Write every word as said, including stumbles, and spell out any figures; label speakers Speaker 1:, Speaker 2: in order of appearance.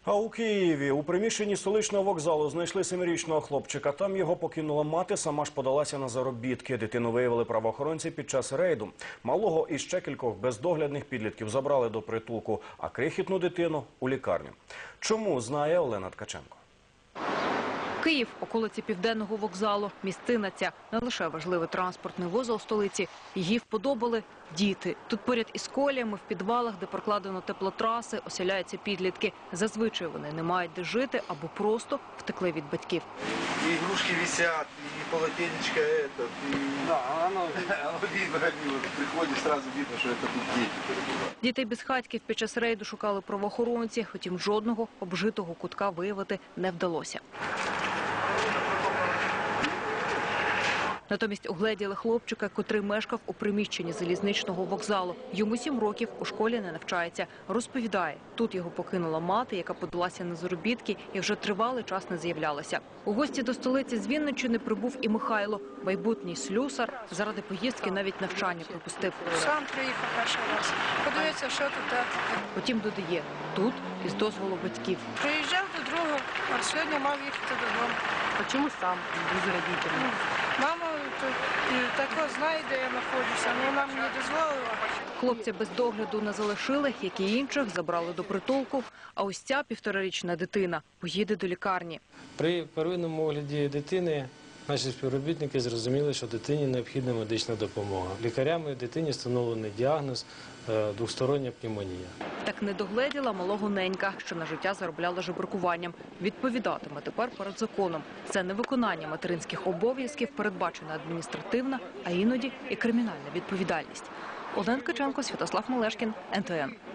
Speaker 1: А у Києві у приміщенні столичного вокзалу знайшли семирічного хлопчика. Там його покинула мати, сама ж подалася на заробітки. Дитину виявили правоохоронці під час рейду. Малого і ще кількох бездоглядних підлітків забрали до притулку, а крихітну дитину – у лікарню. Чому, знає Олена Ткаченко.
Speaker 2: Київ – околиці Південного вокзалу. Місцина ця не лише важливий транспортний вузол столиці. Її вподобали діти. Тут поряд із коліями, в підвалах, де прокладено теплотраси, оселяються підлітки. Зазвичай вони не мають де жити або просто втекли від батьків.
Speaker 3: И игрушки висят, и полотенечко это, и... Да, оно, оно видно, вот приходишь, сразу видно, что это тут дети.
Speaker 2: Дітей безхатьків під час рейду шукали правоохоронці, втім жодного обжитого кутка виявити не вдалося. Натомість угледіли хлопчика, котрий мешкав у приміщенні залізничного вокзалу. Йому сім років, у школі не навчається. Розповідає, тут його покинула мати, яка подалася на заробітки і вже тривалий час не з'являлася. У гості до столиці з Вінниччини прибув і Михайло. Майбутній слюсар заради поїздки навіть навчання пропустив.
Speaker 4: Сам приїхав перший раз. Подивитися, що тут таке.
Speaker 2: Потім додає, тут із дозволу батьків.
Speaker 4: Приїжджав до другого, а сьогодні мав їхати додому.
Speaker 2: А чому сам, без родителів?
Speaker 4: Мама також знає, де я знаходжуся, але вона мені дозволила.
Speaker 2: Хлопця без догляду не залишили, як і інших забрали до притулку. А ось ця півторарічна дитина поїде до лікарні.
Speaker 5: При первинному огляді дитини наші співробітники зрозуміли, що дитині необхідна медична допомога. Лікарями дитині встановлений діагноз – двостороння пневмонія.
Speaker 2: Так не догледіла малого ненька, що на життя заробляла жебракуванням. Відповідатиме тепер перед законом. Це невиконання материнських обов'язків, передбачена адміністративна, а іноді і кримінальна відповідальність. Олена Ткаченко, Святослав Малешкін, ен те ен.